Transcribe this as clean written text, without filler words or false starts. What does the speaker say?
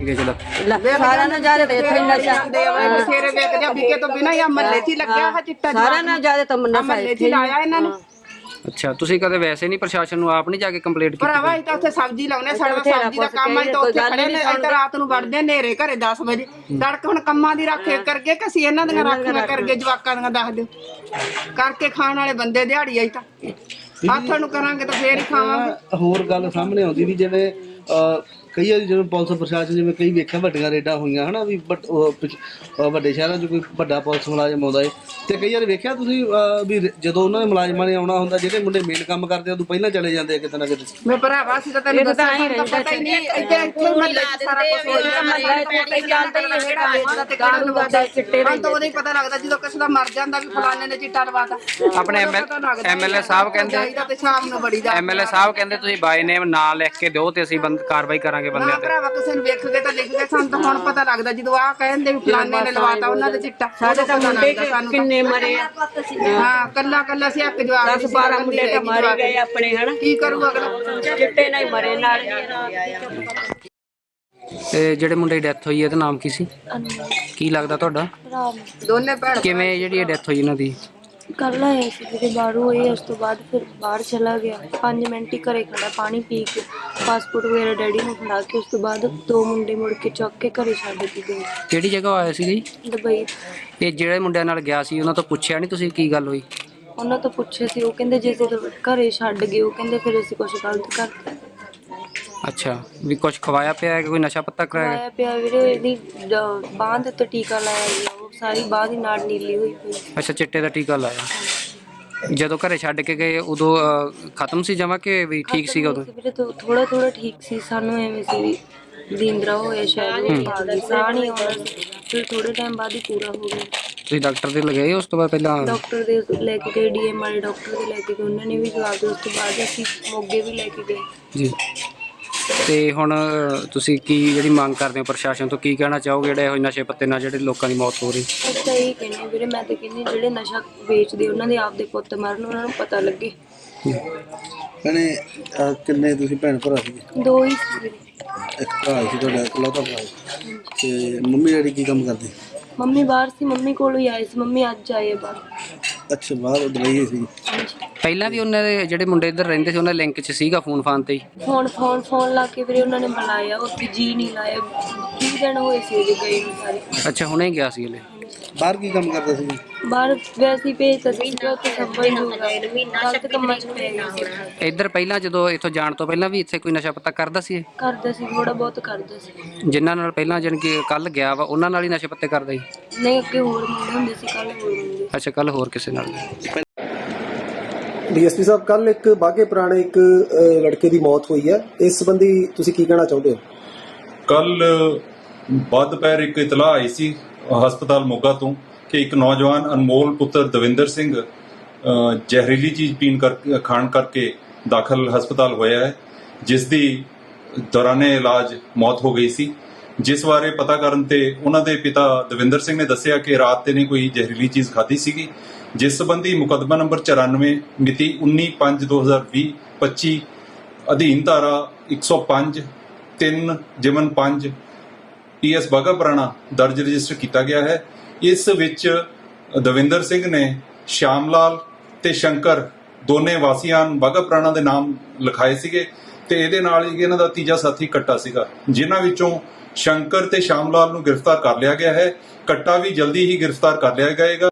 ਸੀਗੇ ਜਦੋਂ? ਸਾਰਿਆਂ ਨਾਲ ਜ਼ਿਆਦਾ ਤੇ ਇੱਥੇ ਹੀ ਨਸ਼ਾ ਬਥੇਰੇ ਵੇਖਦੇ ਆ ਵਿਕੇ ਤੋਂ ਬਿਨਾਂ ਹੀ ਮਹੱਲੇ 'ਚ ਹੀ ਲੱਗਿਆ ਹੈ ਚਿੱਟਾ ਸਾਰਿਆਂ ਨਾਲ ਜ਼ਿਆਦਾ ਤਾਂ ਨਸ਼ਾ ਮਹੱਲੇ 'ਚ ਹੀ ਲਾਇਆ ਇਹਨਾਂ ਨੇ। ਅੱਛਾ, ਤੁਸੀਂ ਕਦੇ ਵੈਸੇ ਨਹੀਂ ਪ੍ਰਸ਼ਾਸਨ ਨੂੰ ਆਪ ਨਹੀਂ ਜਾ ਕੇ ਕੰਪਲੇਂਟ ਕੀਤੀ? ਭਰਾਵਾ ਅਸੀਂ ਤਾਂ ਉੱਥੇ ਸਬਜ਼ੀ ਲਾਉਨੇ, ਸਾਡਾ ਸਬਜ਼ੀ ਦਾ ਕੰਮ ਆ, ਤਾਂ ਉੱਥੇ ਖੜੇ ਨੇ। ਅਸੀਂ ਤਾਂ ਰਾਤ ਨੂੰ ਵੜਦੇ ਹਨੇਰੇ ਘਰੇ 10 ਵਜੇ ਤੜਕ। ਹੁਣ ਕੰਮਾਂ ਦੀ ਰੱਖ ਕਰਕੇ ਕਿ ਅਸੀਂ ਇਹਨਾਂ ਦੀਆਂ ਰਾਖੀਆਂ ਕਰਕੇ ਜਵਾਕਾਂ ਦੀਆਂ ਦੱਸ ਦਿਓ ਕਰਕੇ ਖਾਣ ਵਾਲੇ ਬੰਦੇ ਦਿਹਾੜੀ ਆਈ ਤਾਂ ਹੱਥਾਂ ਨੂੰ ਕਰਾਂਗੇ ਤਾਂ ਫੇਰ ਹੀ ਖਾਵਾਂਗੇ। ਹੋਰ ਗੱਲ ਸਾਹਮਣੇ ਆਉਂਦੀ ਵੀ ਜਿਵੇਂ ਕਈ ਵਾਰੀ ਜਿਵੇਂ ਪੁਲਿਸ ਪ੍ਰਸ਼ਾਸਨ ਜਿਵੇਂ ਕਈ ਵੇਖਿਆ ਵੱਡੀਆਂ ਰੇਡਾਂ ਹੋਈਆਂ ਹਨਾ ਵੀ ਵੱਡੇ ਸ਼ਹਿਰਾਂ 'ਚ ਕੋਈ ਵੱਡਾ ਪੁਲਿਸ ਮੁਲਾਜ਼ਮ ਆਉਂਦਾ ਏ ਤੇ ਕਈ ਵਾਰ ਵੇਖਿਆ ਤੁਸੀਂ ਵੀ ਜਦੋਂ ਉਹਨਾਂ ਦੇ ਮੁਲਾਜ਼ਮਾਂ ਨੇ ਆਉਣਾ ਹੁੰਦਾ ਜਿਹੜੇ ਮੁੰਡੇ ਮੇਨ ਕੰਮ ਕਰਦੇ ਆ ਉਦੋਂ ਪਹਿਲਾਂ ਚਲੇ ਜਾਂਦੇ ਆ ਕਿਤੇ ਨਾ ਕਿਤੇ। ਮੈਂ ਭਰਾਵਾ ਸੀ ਤਾਂ ਤੈਨੂੰ ਦੱਸਾਂ ਤਾਂ ਪਤਾ ਹੀ ਨਹੀਂ ਇੱਥੇ ਮਹੱਲੇ 'ਚ ਸਾਰਾ ਕੁਝ ਹੋ ਜਾਂਦਾ ਚਿੱਟੇ ਦਾ ਤਾਂ ਉਹਦਾ ਹੀ ਪਤਾ ਲੱਗਦਾ ਜਦੋਂ ਕਿਸੇ ਦਾ ਮਰ ਜਾਂਦਾ ਵੀ ਫਲਾਣੇ ਨੇ ਚਿੱਟਾ ਲਵਾਤਾ। ਆਪਣੇ ਐਮਐਲਏ ਸਾਹਿਬ ਕਹਿੰਦੇ ਤੇ ਸ਼ਾਮ ਨੂੰ ਬੜੀ ਦਾ ਐਮਐਲਏ ਸਾਹਿਬ ਕਹਿੰਦੇ ਤੁਸੀਂ ਬਾਈ ਨੇਮ ਨਾਂ ਲਿਖ ਕੇ ਦਿਓ ਤੇ ਅਸੀਂ ਕਾਰਵਾਈ ਕਰਾਂਗੇ ਬੰਦਿਆਂ ਤੇ। ਭਰਾਵਾ ਕਿਸੇ ਨੂੰ ਵੇਖ ਕੇ ਤਾਂ ਲਿਖ ਕੇ ਸਾਨੂੰ ਤਾਂ ਹੁਣ ਪਤਾ ਲੱਗਦਾ ਜਦੋਂ ਆਹ ਕਹਿੰਦੇ ਵੀ ਫਲਾਣੇ ਨੇ ਲਵਾਤਾ ਉਹਨਾਂ ਦੇ ਚਿੱਟਾ। ਸਾਡੇ ਤਾਂ ਮੁੰਡੇ ਕਿੰਨੇ ਮਰੇ ਆ? ਹਾਂ ਕੱਲਾ ਕੱਲਾ ਸੀ ਇੱਕ ਜਵਾਬ 10-12 ਮੁੰਡੇ ਤਾਂ ਮਾਰੇ ਗਏ ਆਪਣੇ ਹਨਾ। ਕੀ ਕਰੂ ਅਗਲਾ? ਚਿੱਟੇ ਨਾਲ ਹੀ ਮਰੇ ਨਾਲ। ਤੇ ਜਿਹੜੇ ਮੁੰਡੇ ਦੀ ਡੈਥ ਹੋਈ ਹੈ ਇਹਦਾ ਨਾਮ ਕੀ ਸੀ? ਕੀ ਲੱਗਦਾ ਤੁਹਾਡਾ? ਦੋਨੇ ਭੈਣ ਕਿਵੇਂ ਜਿਹੜੀ ਇਹ ਡੈਥ ਹੋਈ ਇਹਨਾਂ ਦੀ? ਕੱਲ ਆਇਆ ਸੀ ਕਿਤੇ ਬਾਹਰੋਂ ਹੋਈ, ਉਸ ਤੋਂ ਬਾਅਦ ਫਿਰ ਬਾਹਰ ਚਲਾ ਗਿਆ 5 ਮਿੰਟ ਹੀ ਘਰੇ ਖੜਾ ਪਾਣੀ ਪੀ ਕੇ ਪਾਸਪੋਰਟ ਵਗੈਰਾ ਡੈਡੀ ਨੂੰ ਫੜਾ ਕੇ ਉਸ ਤੋਂ ਬਾਅਦ 2 ਮੁੰਡੇ ਮੁੜ ਕੇ ਚੁੱਕ ਕੇ ਘਰੇ ਛੱਡ ਕੇ ਗਏ ਕਿਹੜੀ ਜਗ੍ਹਾ ਆਇਆ ਸੀ ਜੀ? ਦੁਬਈ। ਇਹ ਜਿਹੜੇ ਮੁੰਡਿਆਂ ਨਾਲ ਗਿਆ ਸੀ ਉਹਨਾਂ ਤੋਂ ਪੁੱਛਿਆ ਨਹੀਂ ਤੁਸੀਂ ਕੀ ਗੱਲ ਹੋਈ? ਉਹਨਾਂ ਤੋਂ ਪੁੱਛੇ ਸੀ, ਉਹ ਕਹਿੰਦੇ ਜੇ ਤੁਸੀਂ ਘਰੇ ਛੱਡ ਗਏ, ਉਹ ਕਹਿੰਦੇ ਫਿਰ ਅਸੀਂ ਕੁਝ ਗਲਤ ਕਰਤਾ। ਅੱਛਾ, ਵੀ ਕੁਝ ਖਵਾਇਆ ਪਿਆ ਹੈ ਕਿ ਕੋਈ ਨਸ਼ਾ ਪੱਤਾ ਕਰਾਇਆ? ਆਇਆ ਪਿਆ ਵੀਰੇ ਇਹਦੀ ਬਾਂਹ ਦੇ ਉੱਤੇ ਟੀਕਾ ਲਾਇਆ ਗਿਆ, ਉਹ ਸਾਰੀ ਬਾਂਹ ਦੀ ਨਾੜ ਨੀਲੀ ਹੋਈ ਪਈ। ਅੱਛਾ, ਚਿੱਟੇ ਦਾ ਟੀਕਾ ਲਾਇਆ। ਜਦੋਂ ਘਰੇ ਛੱਡ ਕੇ ਗਏ ਉਦੋਂ ਖਤਮ ਸੀ ਜਮਾ ਕਿ ਵੀ ਠੀਕ ਸੀਗਾ ਉਦੋਂ? ਵੀਰੇ ਥੋੜਾ ਥੋੜਾ ਠੀਕ ਸੀ, ਸਾਨੂੰ ਐਵੇਂ ਸੀ ਵੀ ਨੀਂਦਰਾ ਹੋਇਆ ਸ਼ਾਇਦ ਸਾਹ ਨਹੀਂ ਆਉਂਦਾ ਸੀ, ਫਿਰ ਥੋੜੇ ਟਾਈਮ ਬਾਅਦ ਹੀ ਪੂਰਾ ਹੋ ਗਿਆ। ਤੁਸੀਂ ਡਾਕਟਰ ਦੇ ਲਗਾਏ ਉਸ ਤੋਂ ਬਾਅਦ? ਪਹਿਲਾਂ ਡਾਕਟਰ ਦੇ ਲੈ ਕੇ ਗਏ, ਡੀਐਮ ਵਾਲੇ ਡਾਕਟਰ ਦੇ ਲੈ ਕੇ ਗਏ, ਉਹਨਾਂ ਨੇ ਵੀ ਜਵਾਬ ਦਿੱਤਾ। ਉਸ ਤੋਂ ਬਾਅਦ ਅਸੀਂ ਮੋਗੇ ਵੀ ਲੈ ਕੇ ਗਏ ਜੀ। ਤੇ ਹੁਣ ਤੁਸੀਂ ਕੀ ਜਿਹੜੀ ਮੰਗ ਕਰਦੇ ਹੋ ਪ੍ਰਸ਼ਾਸਨ ਤੋਂ, ਕੀ ਕਹਿਣਾ ਚਾਹੋਗੇ ਜਿਹੜੇ ਇਹੋ ਨਸ਼ੇ ਪੱਤੇ ਨਾਲ ਜਿਹੜੇ ਲੋਕਾਂ ਦੀ ਮੌਤ ਹੋ ਰਹੀ? ਅਸੀਂ ਤਾਂ ਇਹ ਕਹਿੰਦੇ ਵੀਰੇ, ਮੈਂ ਤਾਂ ਕਹਿੰਦੀ ਜਿਹੜੇ ਨਸ਼ਾ ਵੇਚਦੇ ਉਹਨਾਂ ਦੇ ਆਪਦੇ ਪੁੱਤ ਮਰਨ, ਉਹਨਾਂ ਨੂੰ ਪਤਾ ਲੱਗੇ। ਭੈਣੇ ਕਿੰਨੇ ਤੁਸੀਂ ਭੈਣ ਭਰਾ ਸੀ? 2 ਹੀ ਸੀ ਵੀਰੇ। ਇੱਕ ਭਰਾ ਸੀ ਤੁਹਾਡਾ, ਇਕਲੌਤਾ ਭਰਾ ਸੀ। ਤੇ ਮੰਮੀ ਡੈਡੀ ਕੀ ਕੰਮ ਕਰਦੇ? ਮੰਮੀ ਬਾਹਰ ਸੀ, ਮੰਮੀ ਕੋਲੋਂ ਹੀ ਆਏ ਸੀ। ਮੰਮੀ ਅੱਜ ਆਏ ਬਾਹਰ। ਅੱਛਾ, ਬਾਹਰ ਦੁਬਈ ਸੀ। ਪਹਿਲਾਂ ਵੀ ਉਹਨਾਂ ਦੇ ਜਿਹੜੇ ਮੁੰਡੇ ਇੱਧਰ ਰਹਿੰਦੇ ਸੀ ਉਹਨਾਂ ਲਿੰਕ 'ਚ ਸੀਗਾ ਫੋਨ ਫਾਨ ਤੇ ਹੀ? ਫੋਨ ਲਾ ਕੇ ਵੀਰੇ ਉਹਨਾਂ ਨੇ ਬੁਲਾਇਆ, ਉੱਥੇ ਜੀ ਨਹੀਂ ਲਾਇਆ। 20 ਦਿਨ ਹੋਏ ਸੀ ਉਹਦੇ ਗਏ ਨੂੰ ਸਾਰੇ। ਅੱਛਾ, ਹੁਣੇ ਗਿਆ ਸੀ ਹਲੇ? ਬਾਹਰ ਕੀ ਕੰਮ ਕਰਦਾ ਸੀ? ਬਾਹਰ ਵੈਸੇ ਹੀ ਭੇਜਤਾ ਸੀ, ਉੱਥੇ ਸੰਭਲ ਜੂਗਾ ਗਲਤ ਕੰਮਾਂ 'ਚ ਪੈ ਗਿਆ ਸੀ। ਇੱਧਰ ਪਹਿਲਾਂ ਜਦੋਂ ਇੱਥੋਂ ਜਾਣ ਤੋਂ ਪਹਿਲਾਂ ਵੀ ਇੱਥੇ ਕੋਈ ਨਸ਼ਾ ਪੱਤਾ ਕਰਦਾ ਸੀ ਇਹ? ਕਰਦਾ ਸੀ, ਥੋੜਾ ਬਹੁਤ ਕਰਦਾ ਸੀ। ਜਿਨ੍ਹਾਂ ਨਾਲ ਪਹਿਲਾਂ ਜਾਣੀ ਕਿ ਕੱਲ ਗਿਆ ਵਾ ਉਹਨਾਂ ਨਾਲ ਹੀ ਨਸ਼ੇ ਪੱਤੇ ਕਰਦਾ ਸੀ? ਨਹੀਂ, ਅੱਗੇ ਹੋਰ ਮੁੰਡੇ ਹੁੰਦੇ ਸੀ, ਕੱਲ ਹੋਰ ਮੁੰਡੇ। ਅੱਛਾ, ਕੱਲ ਹੋਰ ਕਿਸੇ ਨਾਲ? ਡੀਐਸਪੀ ਸਾਹਿਬ, ਕੱਲ ਇੱਕ ਬਾਘੇ ਪੁਰਾਣੇ ਇੱਕ ਲੜਕੇ ਦੀ ਮੌਤ ਹੋਈ ਹੈ, ਇਸ ਸੰਬੰਧੀ ਤੁਸੀਂ ਕੀ ਕਹਿਣਾ ਚਾਹੁੰਦੇ ਹੋ? ਕੱਲ ਬਾਅਦ ਦੁਪਹਿਰ ਇੱਕ ਇਤਲਾਹ ਆਈ ਸੀ ਹਸਪਤਾਲ ਮੋਗਾ ਤੋਂ ਕਿ ਇੱਕ ਨੌਜਵਾਨ ਅਨਮੋਲ ਪੁੱਤਰ ਦਵਿੰਦਰ ਸਿੰਘ ਜ਼ਹਿਰੀਲੀ ਚੀਜ਼ ਖਾਣ ਕਰਕੇ ਦਾਖਲ ਹਸਪਤਾਲ ਹੋਇਆ ਹੈ, ਜਿਸ ਦੀ ਦੌਰਾਨੇ ਇਲਾਜ ਮੌਤ ਹੋ ਗਈ ਸੀ। ਜਿਸ ਬਾਰੇ ਪਤਾ ਕਰਨ ਤੇ ਉਹਨਾਂ ਦੇ ਪਿਤਾ ਦਵਿੰਦਰ ਸਿੰਘ ਨੇ ਦੱਸਿਆ ਕਿ ਰਾਤ ਤੇ ਨੇ ਕੋਈ ਜ਼ਹਿਰੀਲੀ ਚੀਜ਼ ਖਾਧੀ ਸੀਗੀ, ਜਿਸ ਸੰਬੰਧੀ ਮੁਕੱਦਮਾ ਨੰਬਰ 94 ਮਿਤੀ 19/5/2020 25 ਅਧੀਨ ਧਾਰਾ 105 3/5 PS ਬਾਘਾ ਪੁਰਾਣਾ ਦਰਜ ਰਜਿਸਟਰ ਕੀਤਾ ਗਿਆ ਹੈ। ਇਸ ਵਿੱਚ ਦਵਿੰਦਰ ਸਿੰਘ ਨੇ ਸ਼ਾਮ ਲਾਲ ਤੇ ਸ਼ੰਕਰ ਦੋਨੇ ਵਾਸੀਆਂ ਬਾਘਾ ਪੁਰਾਣਾ ਦੇ ਨਾਮ ਲਿਖਾਏ ਸੀਗੇ ਤੇ ਇਹਦੇ ਨਾਲ ਹੀ ਇਹਨਾਂ ਦਾ ਤੀਜਾ ਸਾਥੀ ਕੱਟਾ ਸੀਗਾ, ਜਿਨ੍ਹਾਂ ਵਿੱਚੋਂ ਸ਼ੰਕਰ ਤੇ ਸ਼ਾਮ ਲਾਲ ਨੂੰ ਗ੍ਰਿਫਤਾਰ ਕਰ ਲਿਆ ਗਿਆ ਹੈ। ਕੱਟਾ ਵੀ ਜਲਦੀ ਹੀ ਗ੍ਰਿਫਤਾਰ ਕਰ ਲਿਆ ਜਾਏਗਾ।